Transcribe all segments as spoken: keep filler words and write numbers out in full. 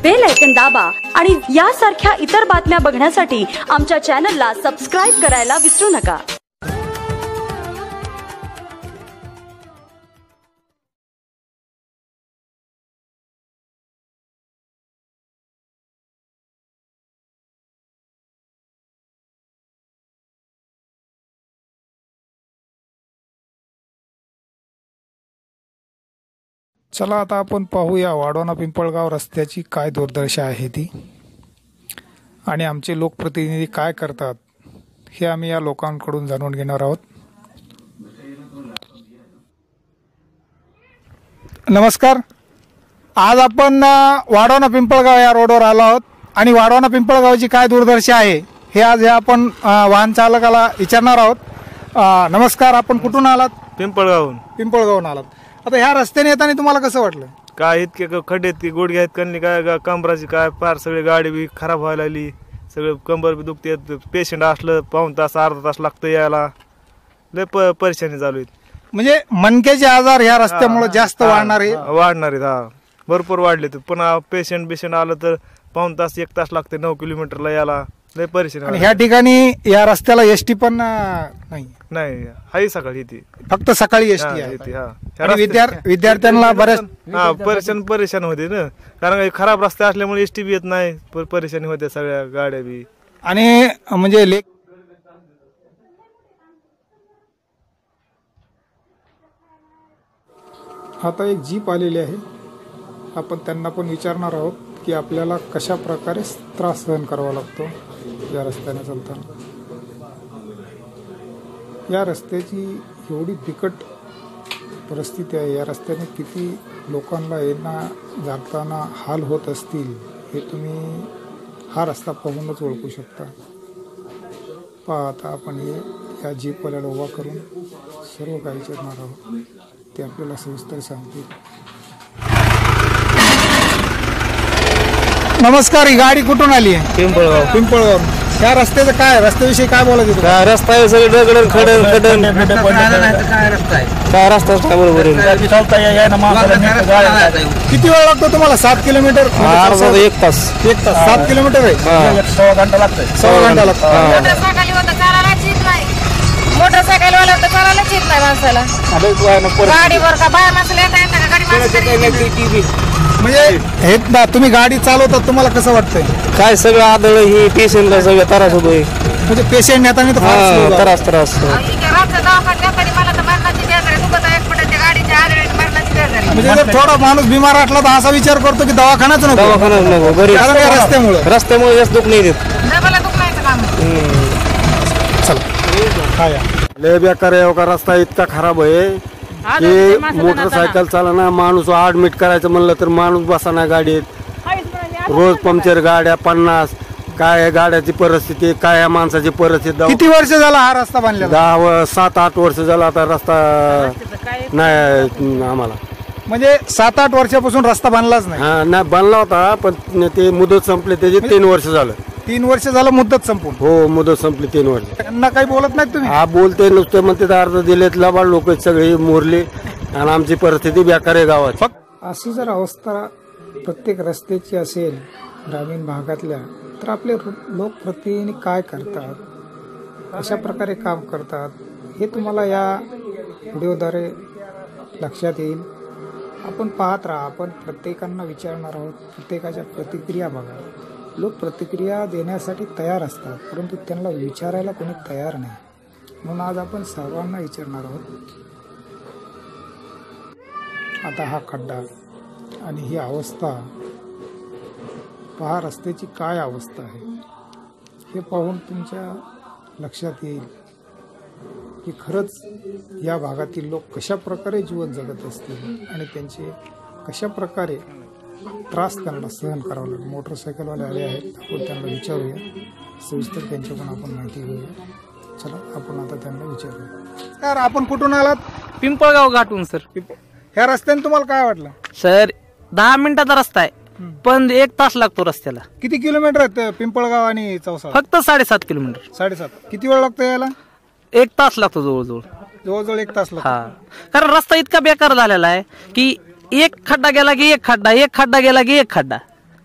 Bell icon दाबा आणि यासारख्या इतर बातम्या बघण्यासाठी आमच्या चॅनलला सबस्क्राइब करायला विसरू नका। चला आता आपण पाहूया वाढवणा पिंपळगाव रस्त्याची काय दुर्दशा आहे ती आणि आमचे लोकप्रतिनिधी काय करतात हे आम्ही या लोकांकडून जाणून घेणार आहोत। नमस्कार, आज आपण वाढवणा पिंपळगाव या रोडवर आलो आहोत आणि वाढवणा पिंपळगावची काय दुर्दशा आहे हे आज हे आपण वाहन चालकाला विचारणार आहोत। नमस्कार, आपण कुठून आलात? पिंपळगावहून। पिंपळगावहून आलात। आता ह्या रस्त्याने येताना तुम्हाला कसं वाटलं? काय इतके खड्डे आहेत की गुडघे आहेत कणली काय कंबराची काय फार सगळी गाडी बी खराब व्हायला लागली, सगळं कंबर बी दुखते, पेशंट असलं पाऊन तास अर्धा तास लागतं यायला, लय प परेशानी चालू आहेत। म्हणजे मणक्याचे आजार ह्या रस्त्यामुळे जास्त वाढणार आहे? वाढणार आहेत, हा भरपूर वाढले। पुन्हा पेशंट बिशंट आलं तर पाऊन तास एक तास लागते नऊ किलोमीटरला यायला, लय परेशानी। आणि ह्या ठिकाणी या रस्त्याला एसटी पण नाही? नाही, हाही सकाळी येते, फक्त सकाळी एसटी आहे। विद्यार्थ्यांना बऱ्याच हा परेशान परेशान होते ना, कारण खराब रस्ते असल्यामुळे एसटी बी येत नाही, परेशानी होते सगळ्या गाड्या बी। आणि म्हणजे लेक आता एक जीप आलेली आहे, आपण त्यांना पण विचारणार आहोत की आपल्याला कशा प्रकारे त्रास सहन करावा लागतो या रस्त्याने चालताना। या रस्त्याची एवढी बिकट परिस्थिती आहे, या रस्त्याने किती लोकांना येणं जाताना हाल होत असतील हे तुम्ही हा रस्ता पाहूनच ओळखू शकता। पहा आता आपण हे या जीपवाल्याला उभा करून सर्व काही विचारणार आहोत, ते आपल्याला सविस्तर सांगतील। नमस्कार, ही गाडी कुठून आली आहे? पिंपळगाव। पिंपळगाव। ह्या रस्त्याचं काय, रस्त्याविषयी काय बोलायचं? काय रस्ता आहे, सगळे दगड खडन खडन काय रस्ता आहे, काय रस्ता काय बरोबर आहे? किती वेळ लागतो तुम्हाला? सात किलोमीटर अर्धा एक तास एक तास सात किलोमीटर आहे, सव्वा घंटा लागतोय सव्वा घंटा लागतो। मोटरसायकल वाला तर चालायलाच येत नाही माणसाला, गाडीवर का बाया माणसाला येता येता का गाडी माणसाला? म्हणजे हे तुम्ही गाडी चालवतात, तुम्हाला कसं वाटतंय? काय सगळं आदळ ही पेशंटला सगळं त्रास होतोय, म्हणजे पेशंट नेताना त्रास त्रास म्हणजे जर थोडा माणूस बिमार असला तर असा विचार करतो की दवाखानाच नको, दवाखानाच नको, बरी रस्त्यामुळे रस्त्यामुळे जास्त दुख नाही देत। चला, लय बेकार आहे का रस्ता, इतका खराब आहे की मोटरसायकल चालना, माणूस ऍडमिट करायचं म्हणलं तर माणूस बसाना गाडीत, रोज पंक्चर गाड्या पन्नास, काय गाड्याची परिस्थिती, काय या माणसाची परिस्थिती। किती वर्ष झाला हा रस्ता बांधलेला? दहा सात आठ वर्ष झाला आता रस्ता नाही आम्हाला, म्हणजे सात आठ वर्षापासून रस्ता बांधलाच नाही? हा नाही, बांधला होता पण ते मुदत संपले, त्याचे तीन वर्ष झालं। तीन वर्ष झालं मुदत संपून? हो, मुदत संपली तीन वर्ष। त्यांना काही बोलत नाही तुम्ही? हा बोलते नुसते, म्हणते अर्ध दिलेत, लबाड लोक सगळे मोरले आणि आमची परिस्थिती बेकार आहे गावात। अशी जर अवस्था प्रत्येक रस्त्याची असेल ग्रामीण भागातल्या, तर आपले लोकप्रतिनिधी काय करतात, अशा प्रकारे काम करतात हे तुम्हाला या व्हिडिओद्वारे लक्षात येईल। आपण पाहत राहा, आपण प्रत्येकांना विचारणार आहोत, प्रत्येकाच्या प्रतिक्रिया बघा। लोक प्रतिक्रिया देण्यासाठी तयार असतात, परंतु त्यांना विचारायला कोणी तयार नाही, म्हणून आज आपण सर्वांना विचारणार आहोत। आता हा खड्डा आणि ही अवस्था पहा, रस्त्याची काय अवस्था आहे हे पाहून तुमच्या लक्षात येईल की खरंच या भागातील लोक कशा प्रकारे जीवन जगत असतील आणि त्यांचे कशा प्रकारे त्रास त्यांना सहन करावा लागेल। मोटरसायकलवाले आले आहेत, आपण त्यांना विचारूया, सविस्तर त्यांच्याकडून आपण माहिती घेऊया। चला, आपण आता त्यांना विचारूया। सर, आपण कुठून आलात? पिंपळगाव गाठून सर। ह्या रस्त्याने तुम्हाला काय वाटलं? सर दहा मिनिटाचा रस्ता आहे, पण एक तास लागतो रस्त्याला। किती किलोमीटर आहे पिंपळगाव आणि चौसा? फक्त साडेसात किलोमीटर। साडेसात। किती वेळ लागतो यायला? एक तास लागतो जवळजवळ जवळजवळ एक तास लागतो। हा, कारण रस्ता इतका बेकार झालेला आहे की एक खड्डा गेला की एक खड्डा, एक खड्डा गेला की एक खड्डा,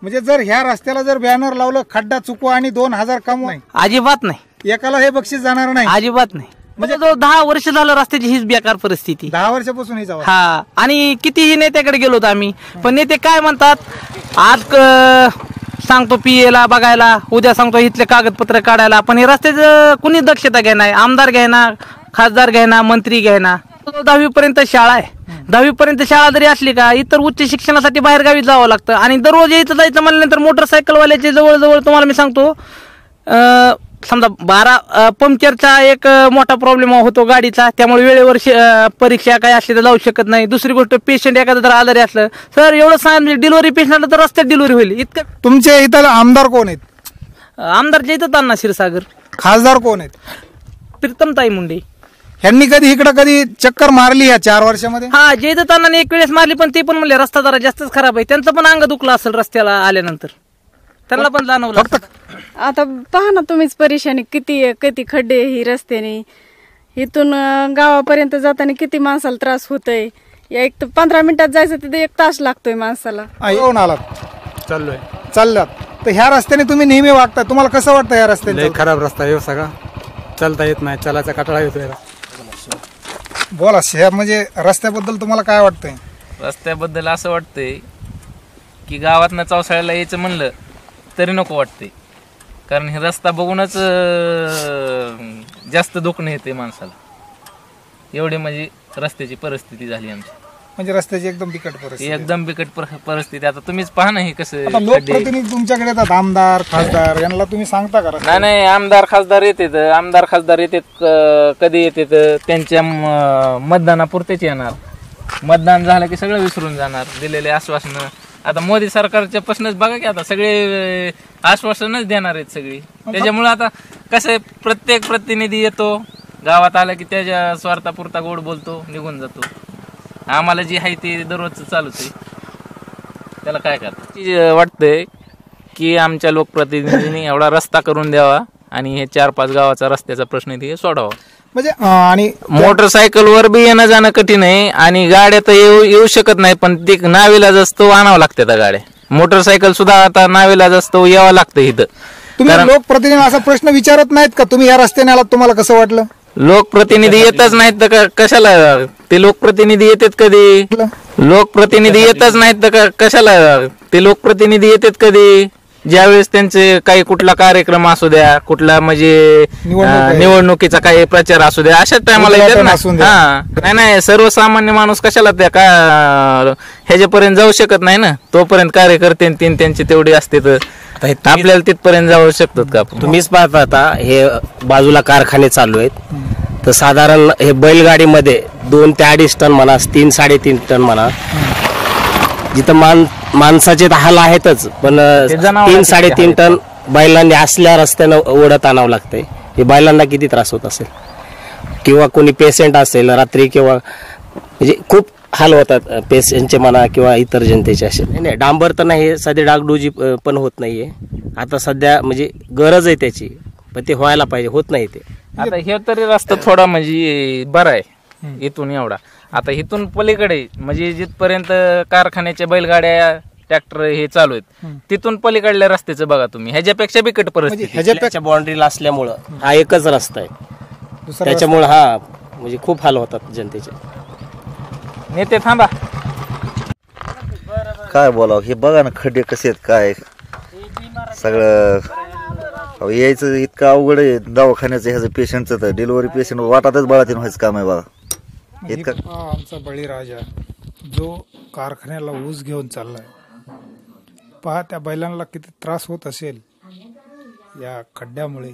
म्हणजे जर ह्या रस्त्याला जर बॅनर लावलं खड्डा चुकवा आणि दोन हजार कमवा, अजिबात नाही, एकाला हे बक्षीस जाणार नाही. अजिबात नाही. म्हणजे जो दहा वर्ष झालं रस्त्याची हीच बेकार परिस्थिती. दहा वर्षापासून ही जावा. हा, आणि कितीही नेत्याकडे गेलो होतो आम्ही, पण नेते काय म्हणतात, आज क- सांगतो पीएला बघायला, उद्या सांगतो इथले कागदपत्र काढायला, पण हे रस्त्याचं कुणी दक्षता घेणार, आमदार घेणार, खासदार घेणार, मंत्री घेणार. दहावी पर्यंत शाळा आहे, दहावी पर्यंत शाळा जरी असली का इतर उच्च शिक्षणासाठी बाहेर गावी जावं लागतं, आणि दररोज यायचं जायचं म्हणल्यानंतर मोटरसायकलवाल्याचे जवळजवळ तुम्हाला मी सांगतो अं, समजा बारा पंक्चरचा एक अं, मोठा प्रॉब्लेम होतो गाडीचा, त्यामुळे वेळेवर शे- अं, परीक्षा काय असली तर जाऊ शकत नाही. दुसरी गोष्ट, पेशंट एखादं जर आजारी असलं सर एवढं सांग, डिलिव्हरी पेशंटला तर रस्त्यात डिलिव्हरी होईल इतकं. तुमच्या इथं आमदार कोण आहेत? आमदारच्या इथं ताना क्षीरसागर, खासदार कोण आहेत? प्रीतमताई मुंडे. ह्यांनी कधी इकडं कधी चक्कर मारली या चार वर्षामध्ये? हा, जे तानाने एक वेळेस मारली, पण ते पण म्हणले रस्ता जरा जास्तच खराब आहे. त्यांचं पण अंग दुखलं असेल रस्त्याला आल्यानंतर, त्यांना पण जाणवलं. आता पहा ना तुम्हीच, परेशानी किती आहे, किती खड्डे ही रस्त्याने, इथून अं, गावापर्यंत जाताना किती माणसाला त्रास होतोय. या एक तर पंधरा मिनिटात जायचं तिथे एक तास लागतोय माणसाला. येऊन आलात, चाललोय चाललात तर ह्या रस्त्याने तुम्ही नेहमी वागता, तुम्हाला कसं वाटतं या रस्त्याने? खराब रस्ता आहे सगळा, चालता येत नाही, चालायचा कटाळा येतोय. बोला, ह्या म्हणजे रस्त्याबद्दल तुम्हाला काय वाटतंय? रस्त्याबद्दल असं वाटतंय की गावातनं चौसाळ्याला यायचं म्हणलं तरी नको वाटते, कारण हे रस्ता बघूनच अं, जास्त दुखणं येते माणसाला. एवढी म्हणजे रस्त्याची परिस्थिती झाली आमची, म्हणजे रस्त्याची एकदम बिकट परिस्थिती, एकदम बिकट पर- परिस्थिती. आता तुम्हीच पहा ना हे कसं आता खड्डे. लोकप्रतिनिधी तुमच्याकडे येतात, आमदार खासदार, यांना तुम्ही सांगता का रस्ता? नाही नाही, आमदार खासदार येतात, आमदार खासदार येतात, क- कधी येतात त्यांच्या म- मतदानापुरतेच येणार. मतदान झालं की सगळं विसरून जाणार, दिलेले आश्वासनं. आता मोदी सरकारच्या प्रश्नच बघा की, आता सगळे आश्वासनच देणार आहेत सगळी. त्याच्यामुळे आता कसं आहे, प्रत्येक प्रतिनिधी येतो गावात आला की त्याच्या स्वार्थापुरता गोड बोलतो, निघून जातो. आम्हाला जी आहे ते दररोजचं चालूच आहे, त्याला काय करतात. वाटतंय की आमच्या लोकप्रतिनिधींनी एवढा रस्ता करून द्यावा आणि हे चार पाच गावाचा रस्त्याचा प्रश्न ते सोडावा. म्हणजे अं, आणि मोटरसायकलवर बी येणं जाणं कठीण आहे, आणि गाड्या तर येऊ येऊ शकत नाही, पण ते नावीलाज असतो, आणावं लागते त्या गाड्या. मोटरसायकल सुद्धा आता नावीलाज असतो, यावं लागतं इथं. तुम्ही लोकप्रतिनिधी असा प्रश्न विचारत नाहीत का, तुम्ही या रस्त्याने आलात तुम्हाला कसं वाटलं? लोकप्रतिनिधी येतच नाहीत तर क- कशाला ते लोकप्रतिनिधी येतात कधी? लोकप्रतिनिधी येतच नाहीत तर क- कशाला ते लोकप्रतिनिधी येतात कधी? ज्यावेळेस त्यांचे काही कुठला कार्यक्रम असू द्या, कुठला म्हणजे अं, निवडणुकीचा काही प्रचार असू द्या, अशाच टायमाला येतात ना. हा, नाही नाही, सर्वसामान्य माणूस कशाला त्या का ह्याच्यापर्यंत जाऊ शकत नाही ना. तोपर्यंत कार्यकर्ते तीन त्यांची तेवढी असते तर आपल्याला तिथपर्यंत जाऊ शकतात का? तुम्हीच पाहता आता हे बाजूला कारखाने चालू आहेत, तर साधारण हे बैलगाडीमध्ये दोन ते अडीच टन म्हणा, तीन साडेतीन टन म्हणा, जिथं मान माणसाचे तर हाल आहेतच, पण तीन साडेतीन टन बैलांनी असल्या रस्त्यानं ओढत आणावं लागतंय. हे बैलांना किती त्रास होत असेल, किंवा कोणी पेशंट असेल रात्री, किंवा म्हणजे खूप हाल होतात पेशंटचे म्हणा किंवा इतर जनतेचे असे. नाही नाही, डांबर तर नाही, सध्या डागडुजी पण होत नाहीये. आता सध्या म्हणजे गरज आहे त्याची, पण ते व्हायला पाहिजे, होत नाही ते. आता हे तरी रस्ता थोडा म्हणजे बरा आहे इथून एवढा. आता इथून पलीकडे म्हणजे जिथपर्यंत कारखान्याच्या बैलगाड्या ट्रॅक्टर हे चालू आहेत, तिथून पलीकडल्या रस्त्याचं बघा तुम्ही, ह्याच्यापेक्षा बिकट परिस्थिती. ह्याच्यापेक्षा बाउंड्रीला असल्यामुळं हा एकच रस्ता आहे, त्याच्यामुळे हा म्हणजे खूप हाल होतात जनतेचे. नेते थांबा, काय बोलावं, हे बघा ना खड्डे कसे आहेत, काय सगळं अहो, यायचं इतकं अवघड आहे. दवाखान्याचं ह्याचं पेशंटचं तर डिलिव्हरी पेशंट वाटातच बळातीन व्हायचं काम आहे बघा. इतकं हा आमचा बळीराजा जो कारखान्याला ऊस घेऊन चाललाय, पहा त्या बैलांना किती त्रास होत असेल या खड्ड्यामुळे.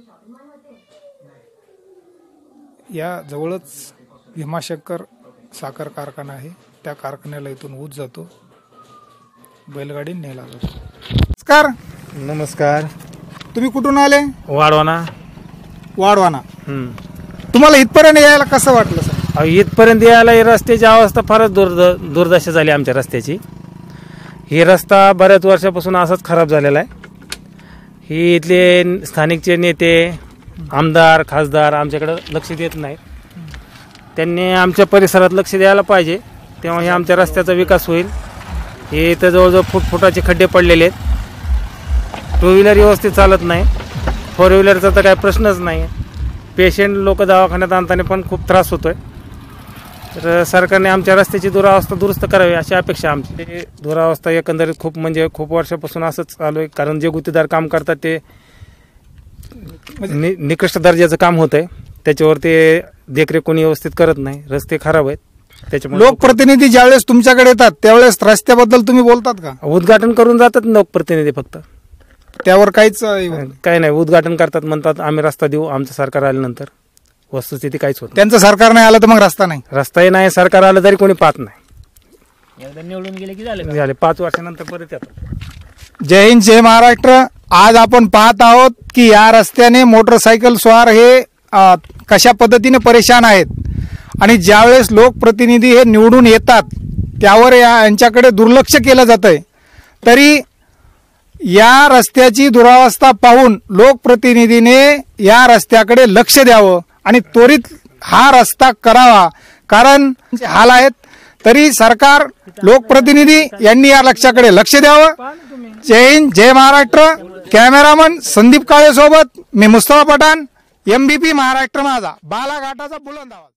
या जवळच भीमाशंकर साखर कारखाना आहे, त्या कारखान्याला इथून ऊस जातो, बैलगाडी नेला जातो. नमस्कार. नमस्कार. तुम्ही कुठून आले? वाढवाना. वाढवाना. तुम्हाला इथपर्यंत यायला कसं वाटलं सर? इथपर्यंत यायला ही रस्त्याची अवस्था फारच दुर्द दुर्दशा झाली आमच्या रस्त्याची. ही रस्ता बऱ्याच वर्षापासून असाच खराब झालेला आहे. ही इथले स्थानिकचे नेते, आमदार, खासदार आमच्याकडे लक्ष देत नाहीत. त्यांनी आमच्या परिसरात लक्ष द्यायला पाहिजे, तेव्हा हे आमच्या रस्त्याचा विकास होईल. हे इथं जवळजवळ फुटफुटाचे खड्डे पडलेले आहेत. टू व्हीलर व्यवस्थित चालत नाही, फोर व्हीलरचा तर काही प्रश्नच नाही. पेशंट लोक दवाखान्यात आणताना पण खूप त्रास होतोय. तर सरकारने आमच्या रस्त्याची दुरावस्था दुरुस्त करावी अशी अपेक्षा आमची. दुरावस्था एकंदरीत खूप म्हणजे खूप वर्षापासून असंच चालू आहे. कारण जे गुत्तेदार काम करतात ते नि निकृष्ट दर्जाचं काम होत आहे, त्याच्यावर ते देखरेख कोणी व्यवस्थित करत नाही. रस्ते खराब आहेत. त्याच्यामुळे लोकप्रतिनिधी ज्यावेळेस तुमच्याकडे येतात त्यावेळेस रस्त्याबद्दल तुम्ही बोलतात का? उद्घाटन करून जातात लोकप्रतिनिधी, फक्त त्यावर काहीच काही नाही. उद्घाटन करतात, म्हणतात आम्ही रस्ता देऊ आमचं सरकार आल्यानंतर. वस्तुस्थिती काहीच होत. त्यांचं सरकार नाही आलं तर मग रस्ता नाही. रस्ताही नाही, सरकार आलं तरी कोणी पाहत नाही. एकदा निवडून गेले की झाले झाले पाच वर्षानंतर परत येतात. जय हिंद, जय महाराष्ट्र. आज आपण पाहत आहोत की या रस्त्याने मोटरसायकल स्वार हे अ, कशा पद्धतीने परेशान आहेत आणि ज्यावेळेस लोकप्रतिनिधी हे निवडून येतात त्यावर या यांच्याकडे दुर्लक्ष केलं जातंय. तरी या रस्त्याची दुरावस्था पाहून लोकप्रतिनिधीने या रस्त्याकडे लक्ष द्यावं आणि त्वरित हा रस्ता करावा, कारण हाल आहेत. तरी सरकार, लोकप्रतिनिधी यांनी या लक्षाकडे लक्ष द्यावं. जय हिंद, जय महाराष्ट्र. कॅमेरामन संदीप काळे सोबत मी मुस्तफा पठाण, एमबीपी महाराष्ट्र माझा, बालाघाटाचा बुलंद आवाज.